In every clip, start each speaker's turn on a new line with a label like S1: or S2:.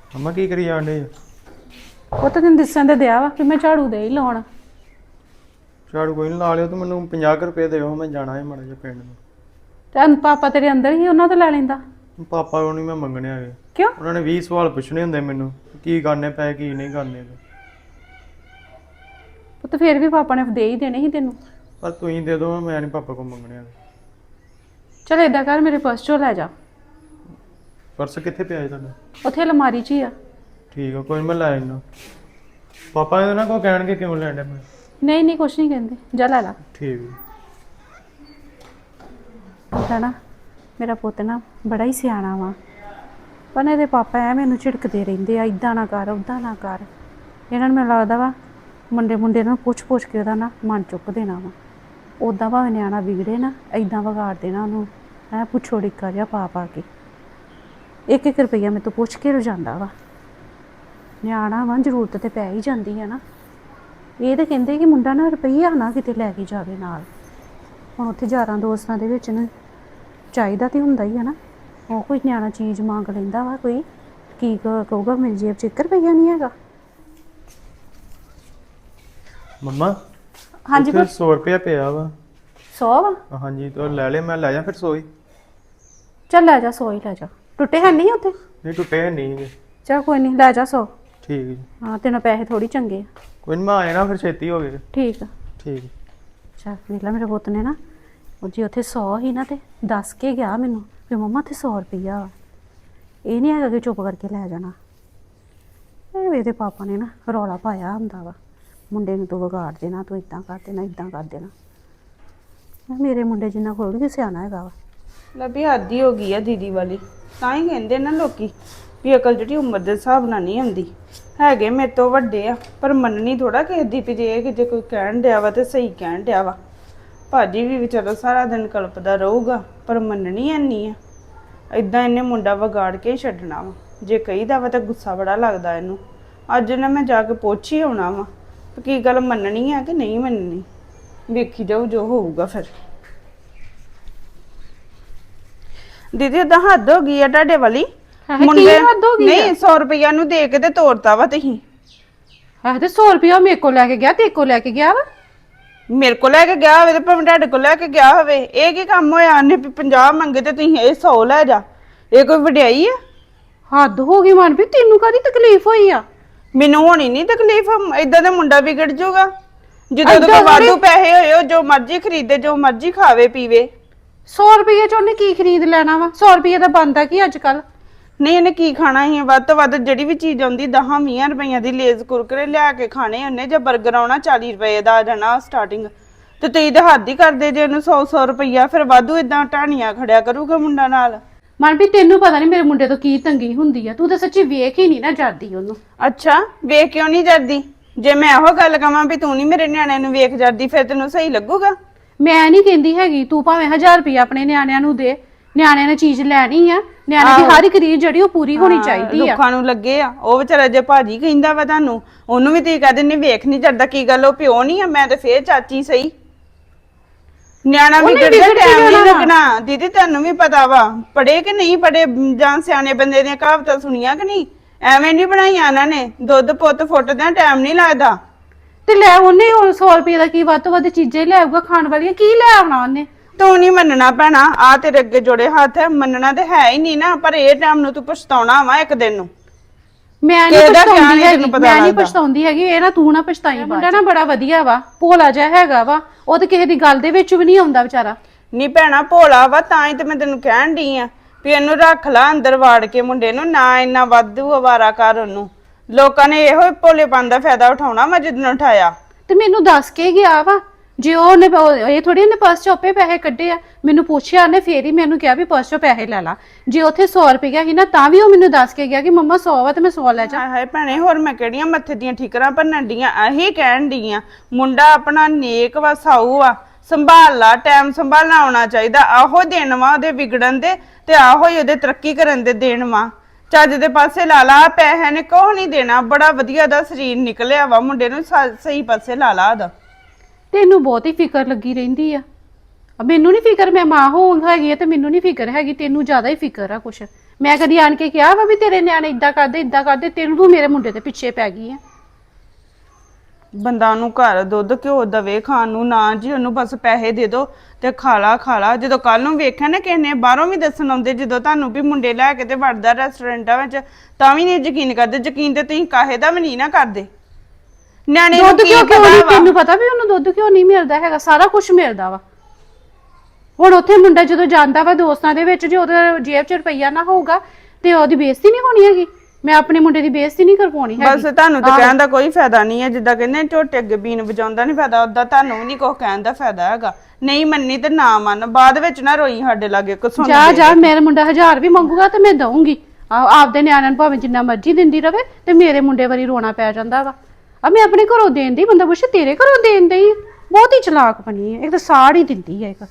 S1: ਮੰਮਾ ਕੀ ਕਰੀ ਜਾਂਦੇ?
S2: ਉਹ ਤਾਂ ਤੈਨੂੰ ਦਿਸਣ ਤੇ ਦਿਆ ਵਾ ਕਿ ਮੈਂ ਝਾੜੂ ਦੇ ਹੀ ਲਾਉਣ।
S1: ਝਾੜੂ ਕੋਈ ਨਹੀਂ ਲਾ ਲਿਓ, ਤੂੰ ਮੈਨੂੰ 50 ਰੁਪਏ ਦਿਓ, ਮੈਂ ਜਾਣਾ ਹੈ ਮਾੜਾ ਜਿਹਾ ਪਿੰਡ ਨੂੰ।
S2: ਤੇ ਪਾਪਾ ਤੇਰੇ ਅੰਦਰ ਹੀ ਉਹਨਾਂ ਤੋਂ ਲੈ ਲੈਂਦਾ।
S1: ਪਾਪਾ ਕੋਲ ਨਹੀਂ ਮੈਂ ਮੰਗਣੇ ਹੈਗੇ।
S2: ਕਿਉਂ?
S1: ਉਹਨਾਂ ਨੇ 20 ਸਵਾਲ ਪੁੱਛਣੇ ਹੁੰਦੇ ਮੈਨੂੰ, ਕੀ ਕਰਨੇ ਪਏ ਕੀ ਨਹੀਂ ਕਰਨੇ ਪਏ।
S2: ਪੁੱਤ ਫੇਰ ਵੀ ਪਾਪਾ ਨੇ ਦੇ ਹੀ ਦੇਣੇ ਸੀ ਤੈਨੂੰ।
S1: ਪਰ ਤੁਸੀਂ ਦੇ ਦਿਓ, ਮੈਂ ਨਹੀਂ ਪਾਪਾ ਕੋਲ ਮੰਗਣੇ ਹੈਗੇ।
S2: ਚਲ ਏਦਾਂ ਕਰ, ਮੇਰੇ ਪਰਸ ਚੋਂ ਲੈ ਜਾ।
S1: ਪਰਸ ਕਿੱਥੇ ਪਿਆ ਹੈ ਤੁਹਾਡਾ?
S2: ਉੱਥੇ ਅਲਮਾਰੀ 'ਚ ਹੀ ਆ।
S1: ਠੀਕ ਆ, ਕੋਈ ਨੀ, ਮੈਂ ਲੈ ਆਉਣਾ। ਪਾਪਾ ਇਹਦੇ ਨਾਲ ਕੋਈ ਕਹਿਣਗੇ ਕਿਉਂ ਲੈਣ ਮੈਂ?
S2: ਨਹੀਂ ਨਹੀਂ ਕੁਛ ਨਹੀਂ ਕਹਿੰਦੇ, ਜਾ ਲੈ ਲਾ।
S1: ਠੀਕ
S2: ਪਤਾ ਨਾ ਮੇਰਾ ਪੁੱਤ ਨਾ ਬੜਾ ਹੀ ਸਿਆਣਾ ਵਾ, ਪਰ ਇਹਦੇ ਪਾਪਾ ਐ ਮੈਨੂੰ ਝਿੜਕਦੇ ਰਹਿੰਦੇ ਆ, ਇੱਦਾਂ ਨਾ ਕਰ ਉੱਦਾਂ ਨਾ ਕਰ। ਇਹਨਾਂ ਨੂੰ ਮੈਨੂੰ ਲੱਗਦਾ ਵਾ ਮੁੰਡੇ ਨੂੰ ਪੁੱਛ ਕੇ ਉਹਦਾ ਨਾ ਮਨ ਚੁੱਕ ਦੇਣਾ ਵਾ। ਉੱਦਾਂ ਭਾਵੇਂ ਨਿਆਣਾ ਵਿਗੜੇ ਨਾ, ਇੱਦਾਂ ਵਿਗਾੜ ਦੇਣਾ ਉਹਨੂੰ। ਐ ਪੁੱਛੋ ਡਿੱਕਾ ਜਿਹਾ ਪਾ ਕੇ 1-1 ਰੁਪਈਆ ਮੇਰੇ ਤੋਂ ਪੁੱਛ ਕੇ ਰੁਜਾਂਦਾ ਵਾ। ਨਿਆਣਾ ਵਾ, ਜ਼ਰੂਰਤ ਤੇ ਪੈ ਹੀ ਜਾਂਦੀ ਹੈ ਨਾ। ਇਹ ਤਾਂ ਕਹਿੰਦੇ ਕਿ ਮੁੰਡਾ ਨਾ ਰੁਪਈਆ ਨਾ ਕਿਤੇ ਲੈ ਕੇ ਜਾਵੇ ਨਾਲ। ਹੁਣ ਉੱਥੇ ਯਾਰਾਂ ਦੋਸਤਾਂ ਦੇ ਵਿੱਚ ਨਾ ਚਾਹੀਦਾ ਤੇ ਹੁੰਦਾ ਹੀ ਹੈ ਨਾ। ਉਹ ਕੋਈ ਨਿਆਣਾ ਚੀਜ਼ ਮੰਗ ਲੈਂਦਾ ਵਾ, ਕੋਈ ਕੀ ਕਹੂਗਾ ਮੇਰੀ ਜੇਬ 'ਚ 1 ਰੁਪਈਆ ਨਹੀਂ ਹੈਗਾ।
S1: ਮੰਮਾ
S2: ਹਾਂਜੀ
S1: ਉੱਥੇ 100 ਰੁਪਇਆ ਪਿਆ ਵਾ।
S2: 100 ਵਾ?
S1: ਹਾਂਜੀ, ਤਾਂ ਲੈ ਲੈ, ਮੈਂ ਲੈ ਜਾ ਫਿਰ 100 ਹੀ।
S2: ਚੱਲ ਲੈ ਜਾ 100 ਹੀ ਲੈ ਜਾ। ਟੁੱਟੇ ਹੈ ਨਹੀਂ ਉੱਥੇ?
S1: ਨਹੀਂ ਟੁੱਟੇ ਨਹੀਂ ਹੈਗੇ।
S2: ਚੱਲ ਕੋਈ ਨਹੀਂ, ਲੈ ਜਾ 100।
S1: ਠੀਕ ਜੀ।
S2: ਹਾਂ ਤੈਨੂੰ ਪੈਸੇ ਥੋੜੀ ਚੰਗੇ ਆ।
S1: ਕੋਈ ਨੀ, ਮੈਂ ਆ ਜਾਣਾ ਫਿਰ, ਛੇਤੀ ਹੋ ਗਏ।
S2: ਠੀਕ ਆ।
S1: ਠੀਕ।
S2: ਚੱਲ ਵੇਖ ਲਾ, ਮੇਰੇ ਪੁੱਤ ਨੇ ਨਾ ਉਹ ਜੀ ਉੱਥੇ 100 ਹੀ ਨਾ ਤੇ ਦੱਸ ਕੇ ਗਿਆ ਮੈਨੂੰ ਵੀ ਮੰਮਾ ਉੱਥੇ 100 ਰੁਪਈਆ ਵਾ। ਇਹ ਨਹੀਂ ਹੈਗਾ ਕਿ ਚੁੱਪ ਕਰਕੇ ਲੈ ਜਾਣਾ। ਇਹ ਇਹਦੇ ਪਾਪਾ ਨੇ ਨਾ ਰੌਲਾ ਪਾਇਆ ਹੁੰਦਾ ਵਾ, ਮੁੰਡੇ ਨੂੰ ਤੂੰ ਵਿਗਾੜ ਦੇਣਾ, ਤੂੰ ਇੱਦਾਂ ਕਰ ਦੇਣਾ, ਇੱਦਾਂ ਕਰ ਦੇਣਾ। ਮੇਰੇ ਮੁੰਡੇ ਜਿੰਨਾ ਕੋਲ ਵੀ ਸਿਆਣਾ ਹੈਗਾ ਵਾ।
S3: ਲੱਭੀ ਆਦੀ ਹੋ ਗਈ ਆ ਦੀਦੀ ਵਾਲੀ। ਤਾਂ ਹੀ ਕਹਿੰਦੇ ਨਾ ਲੋਕੀ ਵੀ ਅਕਲ ਜਿਹੜੀ ਉਮਰ ਦੇ ਹਿਸਾਬ ਨਾਲ ਨਹੀਂ ਆਉਂਦੀ। ਹੈਗੇ ਮੇਰੇ ਤੋਂ ਵੱਡੇ ਆ, ਪਰ ਮੰਨਣੀ ਥੋੜਾ ਕਿਸੇ ਦੀ ਵੀ ਜੇ ਕਿਤੇ ਕੋਈ ਕਹਿਣ ਡਿਆ ਵਾ ਤੇ ਸਹੀ ਕਹਿਣ ਡਿਆ ਵਾ। ਭਾਜੀ ਵੀ ਵਿਚਾਰਾ ਸਾਰਾ ਦਿਨ ਕਲਪਦਾ ਰਹੂਗਾ, ਪਰ ਮੰਨਣੀ ਐਨੀ ਆ। ਇਦਾਂ ਇਹਨੇ ਮੁੰਡਾ ਵਿਗਾੜ ਕੇ ਹੀ ਛੱਡਣਾ ਵਾ। ਜੇ ਕਹੀਦਾ ਵਾ ਤਾਂ ਗੁੱਸਾ ਬੜਾ ਲੱਗਦਾ ਇਹਨੂੰ। ਅੱਜ ਨਾ ਮੈਂ ਜਾ ਕੇ ਪੁੱਛ ਹੀ ਆਉਣਾ ਵਾ ਕੀ ਗੱਲ ਮੰਨਣੀ ਆ ਕਿ ਨਹੀਂ ਮੰਨਣੀ। ਵੇਖੀ ਜਾਊ ਜੋ ਹੋਊਗਾ ਫਿਰ। ਦੀਦੀ ਏਦਾਂ ਹੱਦ ਹੋ ਗਈ ਆ ਤੁਹਾਡੇ ਵਾਲੀ।
S2: ਮੁੰਡੇ ਹੱਦ ਹੋ ਗਈ
S3: ਨਹੀਂ 100 ਰੁਪਈਆ ਨੂੰ ਦੇ ਕੇ ਤੇ ਤੋੜਤਾ ਵਾ ਤੁਸੀਂ।
S2: ਤੇ 100 ਰੁਪਈਆ ਮੇਰੇ ਕੋਲ ਲੈ ਕੇ ਗਿਆ, ਤੇ ਕੋਲ ਲੈ ਕੇ ਗਿਆ ਵਾ।
S3: ਮੇਰੇ ਕੋਲ ਲੈ ਕੇ ਗਿਆ ਹੋਵੇ ਤੇ ਭਾਵੇਂ ਤੁਹਾਡੇ ਕੋਲ ਲੈ ਕੇ ਗਿਆ ਹੋਵੇ, ਇਹ ਕੀ ਕੰਮ ਹੋਇਆ? ਉਹਨੇ 50 ਮੰਗੇ ਤੇ ਤੁਸੀਂ ਇਹ 100 ਲੈ ਜਾ। ਇਹ ਕੋਈ ਵਡਿਆਈ ਆ?
S2: ਹੱਦ ਹੋ ਗਈ ਮਨ ਵੀ, ਤੈਨੂੰ ਕਾਹਦੀ ਤਕਲੀਫ ਹੋਈ ਆ?
S3: ਮੈਨੂੰ ਹੋਣੀ ਨਹੀਂ ਤਕਲੀਫ। ਏਦਾਂ ਦਾ ਮੁੰਡਾ ਵਿਗੜ ਜਾਊਗਾ। ਜਦੋਂ ਤੱਕ ਵਾਧੂ ਪੈਸੇ ਹੋਏ ਉਹ ਜੋ ਮਰਜ਼ੀ ਖਰੀਦੇ, ਜੋ ਮਰਜ਼ੀ ਖਾਵੇ ਪੀਵੇ।
S2: 100 ਰੁਪਈਏ ਚ ਉਹਨੇ ਕੀ ਖਰੀਦ ਲੈਣਾ ਵਾ? 100 ਰੁਪਈਏ ਦਾ ਬਣਦਾ ਕੀ ਅੱਜ ਕੱਲ?
S3: ਨਹੀਂ ਇਹਨੇ ਕੀ ਖਾਣਾ ਸੀ? ਵੱਧ ਤੋਂ ਵੱਧ ਜਿਹੜੀ ਵੀ ਚੀਜ਼ ਆਉਂਦੀ 10-20 ਰੁਪਈਆਂ ਦੀ ਲੇਜ਼ ਕੁਰਕਰੇ ਲਿਆ ਕੇ ਖਾਣੇ ਉਹਨੇ, ਜਾਂ 버ਗਰ ਆਉਣਾ 40 ਰੁਪਏ ਦਾ ਆ ਜਾਣਾ ਸਟਾਰਟਿੰਗ। ਤੇ ਤੁਸੀਂ ਤਾਂ ਹੱਦ ਹੀ ਕਰਦੇ ਜੇ ਉਹਨੂੰ 100 ਰੁਪਈਆ। ਫਿਰ ਵਾਧੂ ਏਦਾਂ ਢਾਣੀਆਂ ਖੜਿਆ ਕਰੂਗਾ ਮੁੰਡਾ ਨਾਲ।
S2: ਮਨ ਵੀ ਤੈਨੂੰ ਪਤਾ ਨਹੀਂ ਮੇਰੇ ਮੁੰਡੇ ਤੋਂ ਕੀ ਤੰਗੀ ਹੁੰਦੀ ਆ। ਤੂੰ ਤਾਂ ਸੱਚੀ ਵੇਖ ਹੀ ਨਹੀਂ ਨਾ ਜਾਂਦੀ ਉਹਨੂੰ।
S3: ਅੱਛਾ, ਵੇਖ ਕਿਉਂ ਨਹੀਂ ਜਾਂਦੀ? ਜੇ ਮੈਂ ਇਹੋ ਗੱਲ ਕਵਾਂ ਵੀ ਤੂੰ ਨਹੀਂ ਮੇਰੇ ਨਿਆਣੇ ਨੂੰ ਵੇਖ ਜਾਂਦੀ, ਫਿਰ ਤੈਨੂੰ ਸਹੀ ਲੱਗੂਗਾ?
S2: ਮੈਂ ਨਹੀਂ ਕਹਿੰਦੀ ਹੈਗੀ, ਤੂੰ ਭਾਵੇਂ 1000 ਰੁਪਈਆ ਆਪਣੇ ਨਿਆਣਿਆਂ ਨੂੰ ਦੇ। ਨਿਆਣਿਆਂ ਨੇ ਚੀਜ਼ ਲੈਣੀ ਆ, ਨਿਆਣੇ ਦੀ ਹਰ ਇੱਕ ਰੀਝ ਜਿਹੜੀ ਉਹ ਪੂਰੀ ਹੋਣੀ ਚਾਹੀਦੀ ਆ।
S3: ਲੋਕਾਂ ਨੂੰ ਲੱਗੇ ਆ ਉਹ ਵਿਚਾਰਾ, ਜੇ ਭਾਜੀ ਕਹਿੰਦਾ ਵਾ ਤੁਹਾਨੂੰ, ਉਹਨੂੰ ਵੀ ਤੁਸੀਂ ਕਹਦੇ ਨਹੀਂ ਵੇਖ ਨਹੀਂ ਜਾਂਦਾ। ਕੀ ਗੱਲ ਉਹ ਪਿਓ ਨਹੀਂ ਆ? ਮੈਂ ਤੇ ਫੇਰ ਚਾਚੀ ਸਹੀ। ਨਿਆਣਾ ਵੀ ਟਾਈਮ ਨਹੀਂ ਲੱਗਣਾ। ਦੀਦੀ ਤੁਹਾਨੂੰ ਵੀ ਪਤਾ ਵਾ, ਪੜੇ ਕਿ ਨਹੀਂ ਪੜੇ, ਜਾਂ ਸਿਆਣੇ ਬੰਦੇ ਦੀਆਂ ਕਹਾਵਤਾਂ ਸੁਣੀਆਂ ਕਿ ਨਹੀਂ? ਐਵੇਂ ਨਹੀਂ ਬਣਾਈਆਂ ਇਹਨਾਂ ਨੇ। ਦੁੱਧ ਪੁੱਤ ਫੁੱਟਦਿਆਂ ਟਾਈਮ ਨਹੀਂ ਲੱਗਦਾ।
S2: ਤੇ ਲੈ ਉਹਨੇ ਹੁਣ 100 ਰੁਪਏ ਦਾ ਕੀ ਵੱਧ ਤੋਂ ਵੱਧ ਚੀਜ਼ਾਂ ਹੀ ਲੈ ਆਊਗਾ ਖਾਣ ਵਾਲੀਆਂ, ਕੀ ਲੈ ਆਉਣਾ ਉਹਨੇ?
S3: ਤੂੰ ਨਹੀਂ ਮੰਨਣਾ ਭੈਣਾ, ਆ ਤੇਰੇ ਅੱਗੇ ਜੋੜੇ ਹੱਥ ਹੈ। ਮੰਨਣਾ ਤੇ ਹੈ ਹੀ ਨਹੀਂ ਨਾ, ਪਰ ਇਹ ਟਾਈਮ ਨੂੰ ਤੂੰ ਪਛਤਾਉਣਾ ਵਾ ਇੱਕ ਦਿਨ ਨੂੰ।
S2: ਮੈਂ ਨਹੀਂ ਪਛਤਾਉਂਦੀ ਹੈਗੀ, ਮੈਂ ਨਹੀਂ ਪਛਤਾਉਂਦੀ ਹੈਗੀ। ਇਹ ਨਾ ਤੂੰ ਨਾ ਪਛਤਾਈ। ਮੁੰਡਾ ਨਾ ਬੜਾ ਵਧੀਆ ਵਾ, ਭੋਲਾ ਜਿਹਾ ਹੈਗਾ ਵਾ। ਉਹ ਤੇ ਕਿਸੇ ਦੀ ਗੱਲ ਦੇ ਵਿੱਚ ਵੀ ਨਹੀਂ ਆਉਂਦਾ ਵਿਚਾਰਾ।
S3: ਨਹੀਂ ਭੈਣਾ ਭੋਲਾ ਵਾ, ਤਾਂ ਹੀ ਤੇ ਮੈਂ ਤੈਨੂੰ ਕਹਿਣ ਡਈ ਆ ਵੀ ਇਹਨੂੰ ਰੱਖ ਲਾ ਅੰਦਰ ਵਾੜ ਕੇ ਮੁੰਡੇ ਨੂੰ। ਨਾ ਇੰਨਾ ਵਾਧੂ ਅਵਾਰਾ ਕਰ ਉਹਨੂੰ। ਲੋਕਾਂ ਨੇ ਇਹੋ ਹੀ ਭੋਲੇਪਨ ਦਾ ਫਾਇਦਾ ਉਠਾਉਣਾ ਵਾ ਜਿੱਦਣ ਉਠਾਇਆ।
S2: ਤੇ ਮੈਨੂੰ ਦੱਸ ਕੇ ਗਿਆ ਵਾ। ਜੇ ਉਹਨੇ ਇਹ ਥੋੜੀ ਉਹਨੇ ਪਰਸ ਚੋਂ ਆਪੇ ਪੈਸੇ ਕੱਢੇ ਆ, ਮੈਨੂੰ ਪੁੱਛਿਆ ਉਹਨੇ, ਫੇਰ ਹੀ ਮੈਨੂੰ ਕਿਹਾ ਵੀ ਪਰਸ ਚੋਂ ਪੈਸੇ ਲੈ ਲਾ। ਜੇ ਉੱਥੇ 100 ਰੁਪਇਆ ਸੀ ਨਾ, ਤਾਂ ਵੀ ਉਹ ਮੈਨੂੰ ਦੱਸ ਕੇ ਗਿਆ ਕਿ ਮੰਮਾ 100 ਵਾ ਤੇ ਮੈਂ 100 ਲੈ ਜਾ।
S3: ਹਾਏ ਭੈਣੇ, ਹੋਰ ਮੈਂ ਕਿਹੜੀਆਂ ਮੱਥੇ ਦੀਆਂ ਠੀਕਰਾਂ ਭੰਨਣ ਡੀਆਂ? ਇਹੀ ਕਹਿਣ ਡੀ ਆ ਮੁੰਡਾ ਆਪਣਾ ਨੇਕ ਵਾ, ਸਾਊ ਆ, ਸੰਭਾਲ ਲਾ। ਟਾਈਮ ਸੰਭਾਲਣਾ ਆਉਣਾ ਚਾਹੀਦਾ। ਆਹੋ ਦਿਨ ਵਾ ਉਹਦੇ ਵਿਗੜਨ ਦੇ, ਤੇ ਆਹੋ ਹੀ ਉਹਦੇ ਤਰੱਕੀ ਕਰਨ ਦੇ ਦੇਣ ਵਾ। ਚੱਜ ਦੇ ਪਾਸੇ ਲਾ ਲਾ। ਪੈਸੇ ਨੇ ਕੋਹ ਨਹੀਂ ਦੇਣਾ। ਬੜਾ ਵਧੀਆ ਦਾ ਸਰੀਰ ਨਿਕਲਿਆ ਵਾ ਮੁੰਡੇ ਨੂੰ, ਸਹੀ ਪਾਸੇ ਲਾ ਲਾ ਉਹਦਾ।
S2: ਤੈਨੂੰ ਬਹੁਤ ਹੀ ਫਿਕਰ ਲੱਗੀ ਰਹਿੰਦੀ ਆ। ਮੈਨੂੰ ਨਹੀਂ ਫਿਕਰ, ਮੈਂ ਮਾਂ ਹੋ ਹੈਗੀ ਆ ਤੇ ਮੈਨੂੰ ਨਹੀਂ ਫਿਕਰ ਹੈਗੀ। ਤੈਨੂੰ ਜ਼ਿਆਦਾ ਹੀ ਫਿਕਰ ਆ ਕੁਛ। ਮੈਂ ਕਦੀ ਆਣ ਕੇ ਕਿਹਾ ਵਾ ਵੀ ਤੇਰੇ ਨਿਆਣੇ ਇਦਾਂ ਕਰਦੇ ਤੈਨੂੰ ਤੂੰ ਮੇਰੇ ਮੁੰਡੇ ਦੇ ਪਿੱਛੇ ਪੈ ਗਈ ਆ।
S3: ਬੰਦਾ ਉਹਨੂੰ ਘਰ ਦੁੱਧ ਘਿਓ ਦਵੇ ਖਾਣ ਨੂੰ, ਨਾ ਜੀ ਉਹਨੂੰ ਬਸ ਪੈਸੇ ਦੇ ਦੋ ਤੇ ਖਾ ਲਾ। ਜਦੋਂ ਕੱਲ ਨੂੰ ਵੇਖਿਆ ਨਾ ਕਿਸੇ ਨੇ ਬਾਹਰੋਂ ਵੀ ਦੱਸਣ ਆਉਂਦੇ, ਜਦੋਂ ਤੁਹਾਨੂੰ ਵੀ ਮੁੰਡੇ ਲੈ ਕੇ ਤੇ ਵੜਦਾ ਰੈਸਟੋਰੈਂਟਾਂ ਵਿੱਚ, ਤਾਂ ਵੀ ਨਹੀਂ ਯਕੀਨ ਕਰਦੇ। ਯਕੀਨ ਤੇ ਤੁਸੀਂ ਕਾਹੇ ਦਾ ਵੀ ਨਹੀਂ ਨਾ ਕਰਦੇ। ਨਿਆਣੇ ਨੂੰ
S2: ਦੁੱਧ
S3: ਕੀ
S2: ਕਿਉਂ
S3: ਪਤਾ ਵਾ?
S2: ਤੈਨੂੰ ਪਤਾ ਵੀ ਉਹਨੂੰ ਦੁੱਧ ਕਿਉਂ ਨਹੀਂ ਮਿਲਦਾ ਹੈਗਾ, ਸਾਰਾ ਕੁਝ ਮਿਲਦਾ ਵਾ। ਹੁਣ ਉੱਥੇ ਮੁੰਡਾ ਜਦੋਂ ਜਾਂਦਾ ਵਾ ਦੋਸਤਾਂ ਦੇ ਵਿੱਚ, ਜੇ ਉਹਦੇ ਜੇਬ 'ਚ ਰੁਪਈਆ ਨਾ ਹੋਊਗਾ ਤੇ ਉਹਦੀ ਬੇਇੱਜ਼ਤੀ ਨਹੀਂ ਹੋਣੀ ਹੈਗੀ। ਮੈਂ ਆਪਣੇ ਮੁੰਡੇ ਦੀ ਬੇਇੱਜ਼ਤੀ ਨਹੀਂ ਕਰਵਾਉਣੀ ਹੈਗੀ।
S3: ਬਸ ਤੁਹਾਨੂੰ ਤਾਂ ਕਹਿਣ ਦਾ ਕੋਈ ਫਾਇਦਾ ਨਹੀਂ ਹੈ। ਜਿੱਦਾਂ ਕਹਿੰਦੇ ਝੋਟੇ ਅੱਗੇ ਬੀਨ ਵਜਾਉਂਦਾ ਨਹੀਂ ਫਾਇਦਾ, ਉਦਾਂ ਤੁਹਾਨੂੰ ਵੀ ਨਹੀਂ ਕੁਛ ਕਹਿਣ ਦਾ ਫਾਇਦਾ ਹੈਗਾ। ਨਹੀਂ ਮੰਨੀ ਤੇ ਨਾ ਮੰਨ, ਬਾਅਦ ਵਿੱਚ ਨਾ ਰੋਈ ਸਾਡੇ ਲਾਗੇ ਕੁਛ।
S2: ਜਾ ਮੇਰਾ ਮੁੰਡਾ 1000 ਵੀ ਮੰਗੂਗਾ ਤੇ ਮੈਂ ਦਊਂਗੀ। ਆਪਦੇ ਨਿਆਣਿਆਂ ਨੂੰ ਭਾਵੇਂ ਜਿੰਨਾ ਮਰਜ਼ੀ ਦਿੰਦੀ ਰਵੇ ਤੇ ਮੇਰੇ ਮੁੰਡੇ ਵਾਰੀ ਰੋਣਾ ਪੈ ਜਾਂਦਾ ਵਾ। ਆ ਮੈਂ ਆਪਣੇ ਘਰੋਂ ਦੇਣ ਦੀ, ਬੰਦਾ ਪੁੱਛੇ ਤੇਰੇ ਘਰੋਂ ਦੇਣ ਦੀ। ਬਹੁਤ ਹੀ ਚਲਾਕ ਬਣੀ ਹੈ, ਇੱਕ ਤਾਂ ਸਾੜ ਹੀ ਦਿੰਦੀ ਹੈ ਇੱਕ।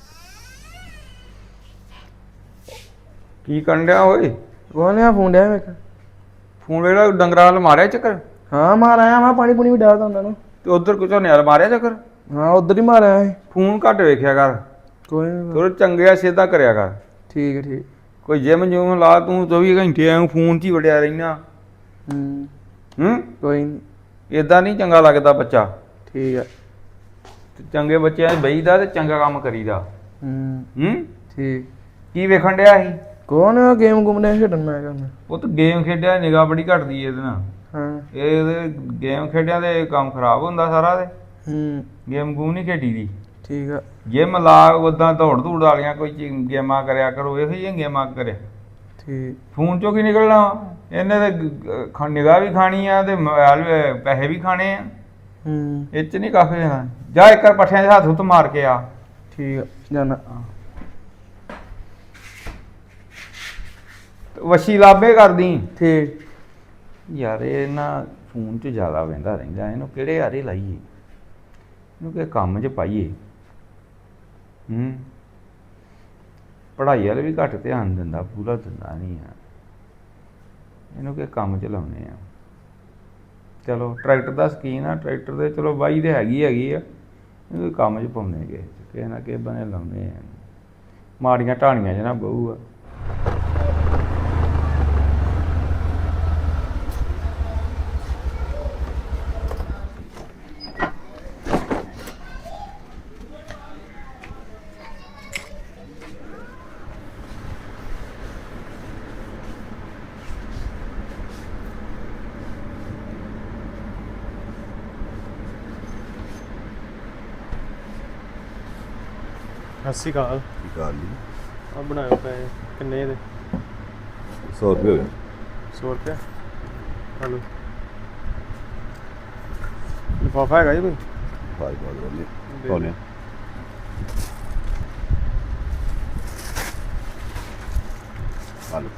S4: ਕੀ ਕਰਨ ਡਿਆ ਓਏ?
S1: ਕੋਨੇ ਆ ਫੋਨ ਡਿਆ ਮੈਂ
S4: ਫੋਨ ਵੇਲਾ ਡੰਗਰਾਂ ਵੱਲ ਮਾਰਿਆ ਚੱਕਰ?
S1: ਹਾਂ ਮਾਰ ਆਇਆ ਮੈਂ, ਪਾਣੀ ਪੂਣੀ ਵੀ ਡਾਲਦਾ ਉਹਨਾਂ ਨੂੰ।
S4: ਤੇ ਉਧਰ ਕੁਝ ਨਿਆਲ ਮਾਰਿਆ ਚੱਕਰ?
S1: ਹਾਂ ਉਧਰ ਹੀ ਮਾਰ ਆਇਆ ਸੀ।
S4: ਫੋਨ ਘੱਟ ਵੇਖਿਆ ਕਰ,
S1: ਕੋਈ ਨੀ।
S4: ਥੋੜਾ ਚੰਗਿਆ ਸਿੱਧਾ ਕਰਿਆ ਕਰ।
S1: ਠੀਕ ਹੈ ਠੀਕ।
S4: ਕੋਈ ਜਿਮ ਜੂਮ ਲਾ, ਤੂੰ 24 ਘੰਟੇ ਐਂ ਫੋਨ 'ਚ ਹੀ ਵੜਿਆ ਰਹਿਣਾ।
S1: ਕੋਈ ਨਹੀਂ।
S4: ਇਦਾਂ ਨਹੀਂ ਚੰਗਾ ਲੱਗਦਾ ਬੱਚਾ।
S1: ਠੀਕ ਹੈ।
S4: ਤੇ ਚੰਗੇ ਬੱਚਿਆਂ 'ਚ ਬਹੀਦਾ ਤੇ ਚੰਗਾ ਕੰਮ ਕਰੀਦਾ।
S1: ਠੀਕ।
S4: ਕੀ ਵੇਖਣ ਡਿਆ ਸੀ?
S1: ਕੋਣ ਗੇਮ ਗੁੰਮਨੇ ਖੇਡਣ ਮੈਂ ਕਰਨਾ।
S4: ਉਹ ਤਾਂ ਗੇਮ ਖੇਡਿਆ, ਨਿਗਾਹ ਬੜੀ ਘਟਦੀ ਇਹਦੇ ਨਾਲ।
S1: ਹਾਂ
S4: ਇਹ ਗੇਮ ਖੇਡਿਆ ਤੇ ਕੰਮ ਖਰਾਬ ਹੁੰਦਾ ਸਾਰਾ। ਤੇ ਗੇਮ ਗੂਮ ਨਹੀਂ ਖੇਡੀ ਦੀ।
S1: ਠੀਕ ਆ।
S4: ਜਿਮ ਲਾ, ਉਦਾਂ ਦੌੜ ਧੂੜ ਵਾਲੀਆਂ ਕੋਈ ਗੇਮਾਂ ਕਰਿਆ ਕਰੋ, ਇਹੋ ਜਿਹੀਆਂ ਗੇਮਾਂ ਕਰਿਆ।
S1: ਠੀਕ।
S4: ਫੋਨ ਚੋਂ ਕੀ ਨਿਕਲਣਾ ਵਾ? ਇਹਨੇ ਤੇ ਨਿਗਾਹ ਵੀ ਖਾਣੀ ਆ ਤੇ ਮੋਬਾਈਲ ਪੈਸੇ ਵੀ ਖਾਣੇ ਆ। ਇਹ 'ਚ ਨਹੀਂ ਕੱਖ ਜਾਣਾ। ਜਾ ਇੱਕ ਵਾਰ ਪੱਠਿਆਂ 'ਚ ਹੱਥ ਹੁੱਥ ਮਾਰ ਕੇ ਆ।
S1: ਠੀਕ ਆ ਜਾਨਾ।
S4: ਵਸ਼ੀ ਲਾਭੇ ਕਰਦੀ।
S1: ਠੀਕ।
S4: ਯਾਰ ਇਹ ਨਾ ਫੋਨ 'ਚ ਜ਼ਿਆਦਾ ਵਹਿੰਦਾ ਰਹਿੰਦਾ, ਇਹਨੂੰ ਕਿਹੜੇ ਆਰੇ ਲਾਈਏ, ਇਹਨੂੰ ਕਿ ਕੰਮ 'ਚ ਪਾਈਏ। ਪੜ੍ਹਾਈ ਵਾਲੇ ਵੀ ਘੱਟ ਧਿਆਨ ਦਿੰਦਾ, ਪੂਰਾ ਦਿੰਦਾ ਨਹੀਂ ਆ। ਇਹਨੂੰ ਕਿ ਕੰਮ 'ਚ ਲਾਉਣੇ ਆ। ਚਲੋ ਟਰੈਕਟਰ ਦਾ ਸ਼ਕੀਨ ਆ, ਟਰੈਕਟਰ ਦੇ ਚਲੋ ਬਾਈ ਤੇ ਹੈਗੀ ਆ, ਇਹਨੂੰ ਕੰਮ 'ਚ ਪਾਉਣੇ ਕਿਸੇ ਨਾ ਕਿਸੇ ਬਣੇ ਲਾਉਣੇ ਆ। ਮਾੜੀਆਂ ਢਾਣੀਆਂ 'ਚ ਨਾ ਬਹੂ ਆ।
S1: ਸਤਿ ਸ਼੍ਰੀ ਅਕਾਲ।
S5: ਕੀ ਕਰ ਲਈ?
S1: ਆ ਬਣਾਇਓ ਪੈਸੇ ਕਿੰਨੇ ਦੇ?
S5: 100 ਰੁਪਏ ਹੋਏ।
S1: 100 ਰੁਪਏ। ਹਲੋ ਲਿਫਾਫਾ ਹੈਗਾ ਜੀ ਕੋਈ?
S5: ਬਾਈ ਬਾਈ ਬੋਲੇ ਹਾਲੋ।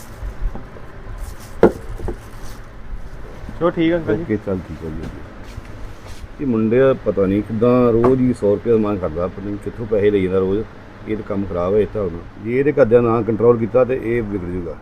S1: ਚਲੋ ਠੀਕ ਹੈ ਅੰਕਲ ਜੀ।
S5: ਓਕੇ ਚੱਲ ਠੀਕ ਹੈ ਜੀ। ਇਹ ਮੁੰਡੇ ਪਤਾ ਨਹੀਂ ਕਿੱਦਾਂ ਰੋਜ਼ ਹੀ 100 ਰੁਪਏ ਮੰਗ ਕਰਦਾ, ਪਤਾ ਨਹੀਂ ਕਿੱਥੋਂ ਪੈਸੇ ਲਈ ਜਾਂਦਾ ਰੋਜ਼। ਇਹ ਤਾਂ ਕੰਮ ਖਰਾਬ ਹੈ ਇਹ ਤਾਂ। ਹੁਣ ਜੇ ਇਹਦੇ ਘਰਦਿਆਂ ਨਾ ਕੰਟਰੋਲ ਕੀਤਾ ਤੇ ਇਹ ਵਿਗੜ ਜੂਗਾ।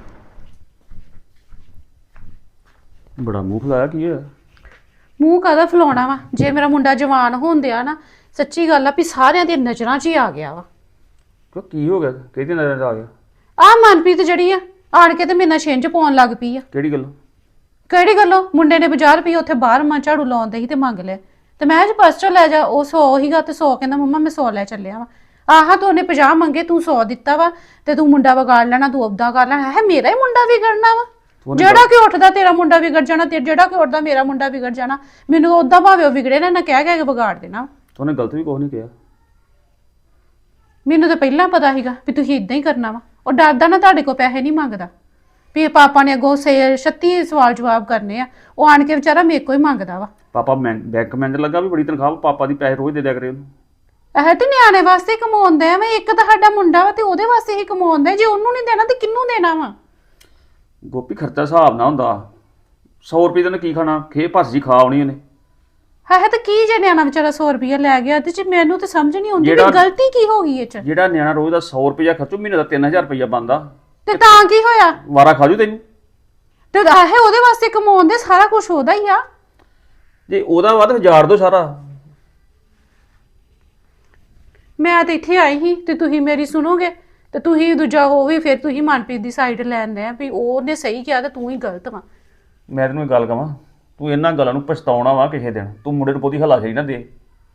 S6: ਬੜਾ ਮੂੰਹ ਫਲਾਇਆ ਕੀ ਹੈ?
S2: ਮੂੰਹ ਕਾਹਦਾ ਫਲਾਉਣਾ ਵਾ? ਜੇ ਮੇਰਾ ਮੁੰਡਾ ਜਵਾਨ ਹੁੰਦਿਆ ਨਾ, ਸੱਚੀ ਗੱਲ ਆ ਵੀ ਸਾਰਿਆਂ ਦੀ ਨਜ਼ਰਾਂ 'ਚ ਹੀ ਆ ਗਿਆ ਵਾ।
S6: ਕਿਉਂ ਕੀ ਹੋ ਗਿਆ? ਕਿਹਦੀ ਨਜ਼ਰ 'ਚ ਆ ਗਿਆ?
S2: ਆਹ ਮਨਪ੍ਰੀਤ ਜਿਹੜੀ ਆ ਆਣ ਕੇ ਤੇ ਮੇਰੇ ਨਾਲ ਛਿੰਝ ਪਾਉਣ ਲੱਗ ਪਈ ਆ।
S6: ਕਿਹੜੀ ਗੱਲ?
S2: ਕਿਹੜੀ ਗੱਲੋਂ? ਮੁੰਡੇ ਨੇ 50 ਰੁਪਏ ਉੱਥੇ ਬਾਹਰ ਮਾਂ ਝਾੜੂ ਲਾਉਂਦੇ ਸੀ ਤੇ ਮੰਗ ਲਿਆ ਤੇ ਮੈਂ ਅੱਜ ਪਰਸ ਚੋਂ ਲੈ ਜਾ। ਉਹ 100 ਹੀਗਾ ਤੇ 100 ਕਹਿੰਦਾ ਮੰਮਾ ਮੈਂ 100 ਲੈ ਚੱਲਿਆ ਵਾ। ਆਹ ਤੂੰ ਉਹਨੇ 50 ਮੰਗੇ, ਤੂੰ 100 ਦਿੱਤਾ ਵਾ ਤੇ ਤੂੰ ਮੁੰਡਾ ਵਿਗਾੜ ਲੈਣਾ, ਤੂੰ ਆਪਦਾ ਕਰ ਲੈਣਾ ਹੈ। ਮੇਰਾ ਹੀ ਮੁੰਡਾ ਵਿਗੜਨਾ ਵਾ? ਜਿਹੜਾ ਕਿ ਉੱਠਦਾ ਤੇਰਾ ਮੁੰਡਾ ਵਿਗੜ ਜਾਣਾ, ਤੇ ਜਿਹੜਾ ਕਿ ਉੱਠਦਾ ਮੇਰਾ ਮੁੰਡਾ ਵਿਗੜ ਜਾਣਾ। ਮੈਨੂੰ ਉਦਾਂ ਭਾਵੇਂ ਉਹ ਵਿਗੜੇ ਨਾ ਕਹਿ ਕੇ ਵਿਗਾੜ ਦੇਣਾ।
S6: ਉਹਨੇ ਗਲਤ ਵੀ ਕੁਛ ਨਹੀਂ ਕਿਹਾ।
S2: ਮੈਨੂੰ ਤਾਂ ਪਹਿਲਾਂ ਪਤਾ ਸੀਗਾ ਵੀ ਤੁਸੀਂ ਇਦਾਂ ਹੀ ਕਰਨਾ ਵਾ। ਉਹ ਡਰਦਾ ਨਾ ਤੁਹਾਡੇ ਕੋਲ ਪੈਸੇ ਨਹੀਂ ਮੰਗਦਾ ਵੀ ਪਾਪਾ ਨੇ ਅੱਗੋਂ 36 ਸਵਾਲ ਜਵਾਬ ਕਰਨੇ ਆ। ਉਹ ਆਣ ਕੇ ਵਿਚਾਰਾ ਮੇਰੇ ਕੋਲ ਹੀ ਮੰਗਦਾ ਵਾ।
S6: ਪਾਪਾ ਬੈਂਕ ਮੈਨੇਜਰ ਲੱਗਾ ਵੀ ਬੜੀ ਤਨਖਾਹ, ਪਾਪਾ ਦੀ ਪੈਸੇ ਰੋਜ਼ ਦੇ ਦਿਆ ਕਰੇ ਉਹਨੂੰ।
S2: ਇਹ ਤੇ ਨਿਆਣੇ ਵਾਸਤੇ ਕਮਾਉਂਦਾ ਵਾ। ਇੱਕ ਤਾਂ ਸਾਡਾ ਮੁੰਡਾ ਵਾ ਤੇ ਉਹਦੇ ਵਾਸਤੇ ਹੀ ਕਮਾਉਂਦਾ। ਜੇ ਉਹਨੂੰ ਨਹੀਂ ਦੇਣਾ ਤੇ ਕਿਹਨੂੰ ਦੇਣਾ ਵਾ?
S6: ਗੋਪੀ ਖਰਚਾ ਹਿਸਾਬ ਨਾ ਹੁੰਦਾ। 100 ਰੁਪਏ ਦਾ ਕੀ ਖਾਣਾ? ਖੇ ਭੱਸ ਜੀ ਖਾ ਆਉਣੀ ਉਹਨੇ।
S2: ਹੈ ਤਾਂ ਕੀ ਜੇ ਨਿਆਣਾ ਵਿਚਾਰਾ 100 ਰੁਪਇਆ ਲੈ ਗਿਆ ਤੇ ਮੈਨੂੰ ਤਾਂ ਸਮਝ ਨਹੀਂ ਆਉਂਦੀ ਵੀ ਗਲਤੀ ਕੀ ਹੋ ਗਈ ਇਹ ਚ।
S6: ਜਿਹੜਾ ਨਿਆਣਾ ਰੋਜ਼ ਦਾ 100 ਰੁਪਇਆ ਖਰਚੂ, ਮਹੀਨੇ ਦਾ 3000 ਰੁਪਇਆ ਬਣਦਾ
S2: ਤੇ ਤਾਂ ਕੀ ਹੋਇਆ?
S6: ਵਾਰਾ ਖਾਜੂ ਤੈਨੂੰ।
S2: ਤੇ ਆਹੇ ਉਹਦੇ ਵਾਸਤੇ ਕਮਾਉਂਦੇ, ਸਾਰਾ ਕੁਝ ਉਹਦਾ ਹੀ ਆ।
S6: ਜੇ ਉਹਦਾ ਵੱਧ ਹਜ਼ਾਰ ਦੋ ਸਾਰਾ।
S2: ਮੈਂ ਤੇ ਇੱਥੇ ਆਈ ਸੀ ਤੇ ਤੁਸੀਂ ਮੇਰੀ ਸੁਣੋਗੇ ਤੇ ਤੁਸੀਂ ਦੂਜਾ ਹੋ ਵੀ ਫਿਰ ਤੁਸੀਂ ਮਨਪ੍ਰੀਤ ਦੀ ਸਾਈਡ ਲੈਂਦੇ ਆ ਵੀ ਉਹਨੇ ਸਹੀ ਕਿਹਾ ਤੇ ਤੂੰ ਹੀ ਗਲਤ ਵਾ।
S6: ਮੈਂ ਤੈਨੂੰ ਇੱਕ ਗੱਲ ਕਵਾਂ, ਤੂੰ ਇਹਨਾਂ ਗੱਲਾਂ ਨੂੰ ਪਛਤਾਉਣਾ ਵਾ ਕਿਸੇ ਦਿਨ। ਤੂੰ ਮੁੰਡੇ ਨੂੰ ਬਹੁਤੀ ਹੱਲਾਸ਼ੇਰੀ ਨਾ ਦੇ।